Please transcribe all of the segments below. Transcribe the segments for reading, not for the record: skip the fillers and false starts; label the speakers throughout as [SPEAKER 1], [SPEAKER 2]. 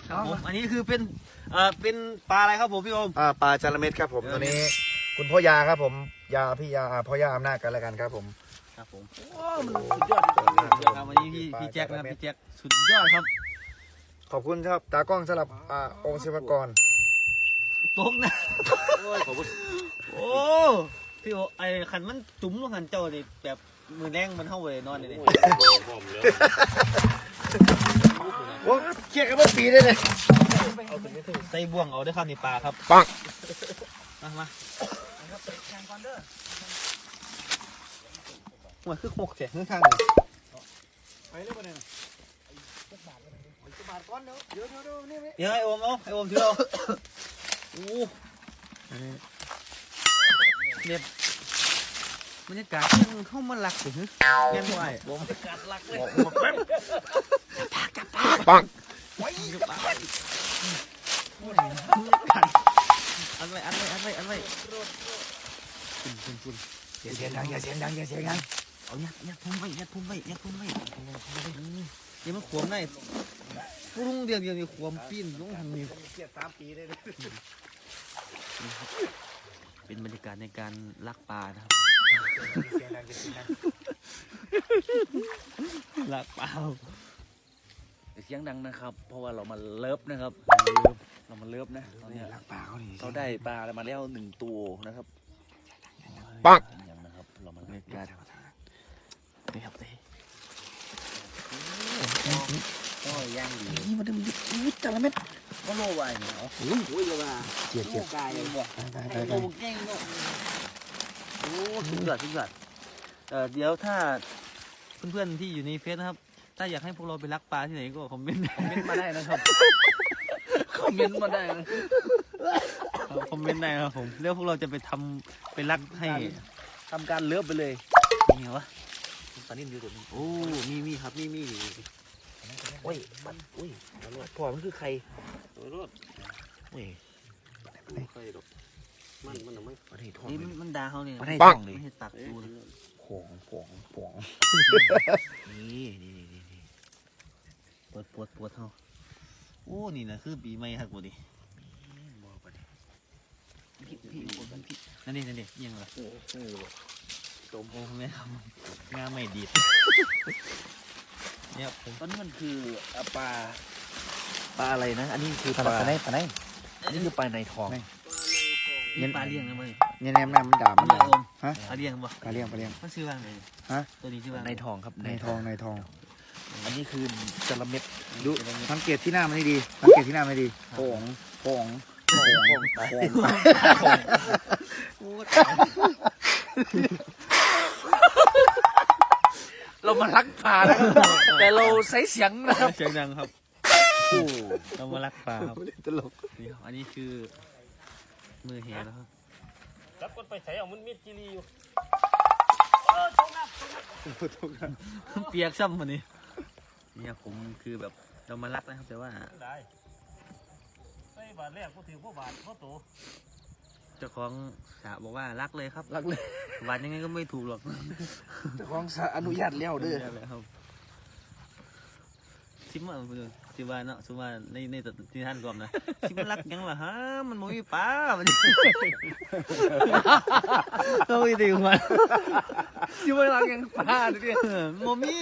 [SPEAKER 1] ครับผมอันนี้คือเป็นปลาอะไรครับผมพี่โอม
[SPEAKER 2] ปลาจาระเม็ดครับผมตัวนี้คุณพ่อยาครับผมยาพี่ยาพ่อยาอำนาจกันแล้วกันครับผม
[SPEAKER 1] ครับผมโอ้มันสุดยอดครับวันนี้พี่แจ็คนะครับพี่แจ็คสุดยอดครับ
[SPEAKER 2] ขอบคุณครับตากล้องสำหรับองค์ศิวกร
[SPEAKER 1] ตกนะโอ้ยขอบคุณโอ้พี่โอไอ้ขันมันจุ๋มลงขันเจ้าเลยแบบมือแรงมันเข้าไปนอนเลยเนี่ย
[SPEAKER 2] โอ้เชี่ยกันเมื่อปีได้เลย
[SPEAKER 1] ใส่บ่วงเอาได้ข้าวในปลาครับ
[SPEAKER 2] ปัง
[SPEAKER 1] มาหัวคือหกเสียข้างเลย
[SPEAKER 2] ไปเรื่อยๆเนี่ยบาทก้อนเดี๋ยวนี่
[SPEAKER 1] เดี๋ยวไอโอมเอาไอโอมถือเอาโอ้เนี่ยบรรยากาศยังเข้ามาหลักสิเงี้ยด้วยบรรยากาศหลักเลย
[SPEAKER 2] ปัง
[SPEAKER 1] อันไว้คุณ
[SPEAKER 2] อย่าเสียงดัง
[SPEAKER 1] เอายัดพุ่มไว้เดี๋ยวมันขวมได้พุ่งเดียวนี่ขวมปีนลงทางนี้
[SPEAKER 2] เกียร3 ปีได้เลย
[SPEAKER 1] เป็นบรรยากาศในการลักปลานะครับลักปลา
[SPEAKER 3] เสียงดังนะครับเพราะว่าเรามาเลิฟนะครับเรามาเลิฟนะ
[SPEAKER 2] ลักปลา
[SPEAKER 3] เขาได้ปลามาแล้ว1 ตัวนะครับ
[SPEAKER 2] ปัง
[SPEAKER 3] อย่างนะครับเรามา
[SPEAKER 1] บรรยากาศนี่ครับ
[SPEAKER 3] ก็ย่างดี
[SPEAKER 1] นี่มาดูจระเม็ด
[SPEAKER 3] ก็โลไว้เนาะ
[SPEAKER 1] โอ้ยเลยว่า
[SPEAKER 2] เจียบ
[SPEAKER 3] กายเลยบ่โลเก่งเนาะ
[SPEAKER 1] โอ้สุดยอดเดี๋ยวถ้าเพื่อนๆที่อยู่ในเฟซนะครับถ้าอยากให้พวกเราไปลักปลาที่ไหนก็คอมเมนต์
[SPEAKER 3] มาได้นะครับคอมเมนต์มาได้นะ
[SPEAKER 1] คอมเมนต์ได้ครับผมแล้วพวกเราจะไปลักให้
[SPEAKER 3] ทำการเลิฟไปเลย
[SPEAKER 1] นี่เหรอวะ
[SPEAKER 3] ปลานิ่มอยู่ตัวนี้
[SPEAKER 1] โอ้มีครับมี
[SPEAKER 3] โอ้ยพ่อมันคือใคร
[SPEAKER 1] รถ
[SPEAKER 3] โอ้ย
[SPEAKER 1] ใครหรอกมันไม่
[SPEAKER 3] ปลาไหนทอง
[SPEAKER 1] มันด่าเขาเนี่ย
[SPEAKER 3] ปลาไหนทองเลย
[SPEAKER 1] ให้ตักดู
[SPEAKER 3] ผงนี่
[SPEAKER 1] ปวดเขาโอ้นี่นะคือปีใหม่ครับกูดิพี่นั่นดิยังไงตมโอ้แม่ครับงาไม่ดีเนี่ย
[SPEAKER 3] ตอนนี้มันคือปลาอะไรนะอันนี้คือปลา
[SPEAKER 2] ไหน
[SPEAKER 3] อันนี้คือปลาในทอง
[SPEAKER 1] นี่ปลาเลี้ยงนะมึง
[SPEAKER 2] เนี่ยแม่มันด่ามัน
[SPEAKER 1] ฮะปลาเลี้ยงบ่
[SPEAKER 2] ปลาเลี้ยง
[SPEAKER 1] มันชื่อว่าไง
[SPEAKER 2] ฮะ
[SPEAKER 1] ตัวนี้ชื่อว่า
[SPEAKER 3] ในทองครับ
[SPEAKER 2] ในทอง
[SPEAKER 3] อันนี้คือจระเม็ด
[SPEAKER 2] ดูสังเกตที่หน้ามันดีสังเกตที่หน้ามันดีโป่ง
[SPEAKER 3] เรามาลักปลาแต่เราใช้เสียงนะครับ
[SPEAKER 1] เสียงดังครับเรามาลักปลาครับ
[SPEAKER 2] ตลก
[SPEAKER 1] นี่อันนี้คือมือแหนะครับ
[SPEAKER 4] รับคนไปใส่เอามันมีดจีรีอยู่
[SPEAKER 1] เปียกซ้ำวันนี้เนี่ยผมคือแบบเรามาลักนะครับแต่ว่า
[SPEAKER 4] ได้ใส่บาทแรกก็ถือพวกบาทเพราะโต
[SPEAKER 1] เจ้าของสระบอกว่ารักเลยครับ
[SPEAKER 2] รักเลย
[SPEAKER 1] บาทยังไงก็ไม่ถูกหรอก
[SPEAKER 2] เจ้าของสระอนุญาตแล้วเด้อ
[SPEAKER 1] ครับชิมว่าชิมว่าเนาะชิมว่าในที่ท่านกล่อมนะชิมรักยังล่ะฮะมันมวยป้ามันก็ไม่ดีกว่า
[SPEAKER 3] ชิมว่ารักยังป้าดิ
[SPEAKER 1] โมมี่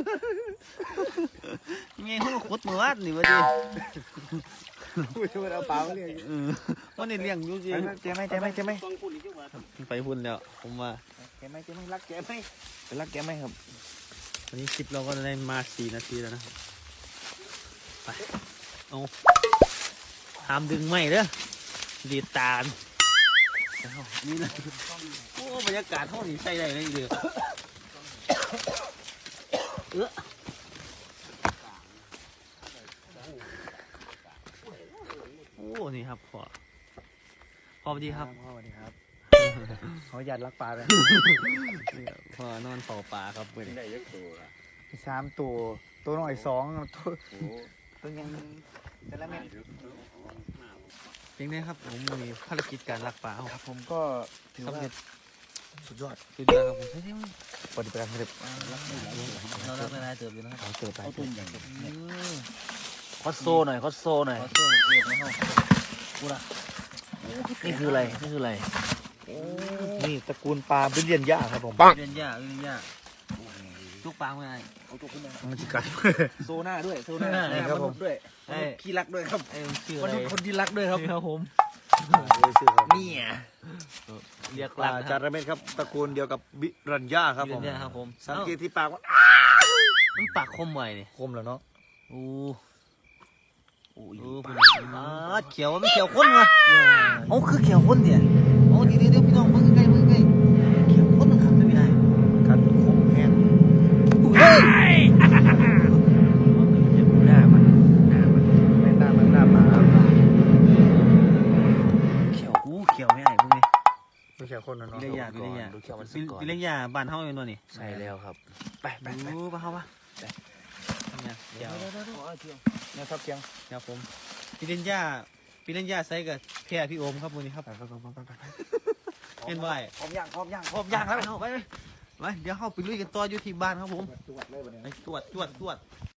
[SPEAKER 1] ไงเขาขุดมือวัดนี่วะดิ
[SPEAKER 2] พูดว่าเอาเปล่าเลี้ยง
[SPEAKER 1] วันนี้เลี้ยงอยู่จริง
[SPEAKER 2] เจ๊ไหม
[SPEAKER 1] ไปพุ่นแล้วผมว่า
[SPEAKER 2] เจ๊ไหมรักเจ๊ไหมไปรักเจ๊ไหมครับ
[SPEAKER 1] วันนี้คลิปเราก็ได้มา4 นาทีแล้วนะไปเอาห้ามดึงไม่เด้อดีตาลนี่นะโอ้บรรยากาศห้องนี้ใช่ได้เลยเดือโอ้นี่ครับพ่อสวัสดีครับ
[SPEAKER 2] สวัสดีครับเขาหยัดรักปลาเลย
[SPEAKER 1] พ่อนอนเฝ้าปลาครับเพื่อน
[SPEAKER 4] ได้ยักษ์ตัว
[SPEAKER 2] 3 ตัวหน่อยตัวยังแต่ละเม็ด
[SPEAKER 1] เพียงนี้ครับผมมีภารกิจการรักปลา
[SPEAKER 2] ครับผมก็ถือว่าสุดยอด
[SPEAKER 1] ครับผมใช่ไหม
[SPEAKER 2] ปฏิบัติการเสร็จ
[SPEAKER 1] เรารักเวลาเติบอยู่นะครับ
[SPEAKER 2] เติบไป
[SPEAKER 1] เอาตุ่มอย่าง
[SPEAKER 3] คอสโซหน่อยคอสโซหน่อยกูละนี่คืออะไรนี่คืออะไร
[SPEAKER 2] นี่ตระกูลปลาบิลเลียนย่าครับผม
[SPEAKER 1] เรียนยากจุกปางไม่ได้
[SPEAKER 3] เอาตัวขึ้นมา
[SPEAKER 2] มันจะกัด
[SPEAKER 3] โซหน้าด้วยโซหน้า
[SPEAKER 2] นี่ครับผม
[SPEAKER 3] ด้วยขี้รักด้วยครับ
[SPEAKER 1] ไอ้ชื่อ
[SPEAKER 3] ค
[SPEAKER 1] อะ
[SPEAKER 3] น
[SPEAKER 1] ไร
[SPEAKER 3] คนที่รักด้วยครับ
[SPEAKER 1] ครับผม
[SPEAKER 3] นี่อ่ะ
[SPEAKER 1] เรียก
[SPEAKER 2] ปลาจาระเม็ดครับตระกูลเดียวกับบิรันย่าครับผม
[SPEAKER 1] เรียนยากครับผม
[SPEAKER 2] สังเกตที่ปากว่า
[SPEAKER 1] มันปากคมไว้นี่
[SPEAKER 2] คมแล้วเนาะ
[SPEAKER 1] โอ้โอ้คุณเขียวไม่เขียวข้นวะโอ้คือเขียวข้นเนี่ยโอ้เดี๋ยวพี่น้องเพิ่งใกล้เขียวข้นมันขับไม่ได้
[SPEAKER 2] กัดคมแห้ง
[SPEAKER 1] เฮ้ย
[SPEAKER 3] หน้ามัน
[SPEAKER 2] แม่หน้าปลา
[SPEAKER 1] เขียวเขียวไม่ได้พวกนี้
[SPEAKER 2] ไม่ใช่คนนะเนาะ
[SPEAKER 1] วิริยะ
[SPEAKER 3] ดูเขียวมันสก่อน
[SPEAKER 1] วิริยะบ้านเฮาอยู่นู่นนี่
[SPEAKER 3] ใช่แล้วครับไป
[SPEAKER 1] รู้ป่ะเขาปะเนี่ยเดี๋ยว
[SPEAKER 2] เนี่ยครับเพียง
[SPEAKER 1] ครับผมวิริยะใส่กับแพรพี่โอมครับวันนี้ครับเห็นไหว
[SPEAKER 3] พร้อมย่าง
[SPEAKER 1] พร้อมย่างแล้วไปเดี๋ยวเข้าไปลุยกันต่ออยู่ที่บ้านครับผม
[SPEAKER 2] ตรวจเลยวันนี้
[SPEAKER 1] ไปตรวจ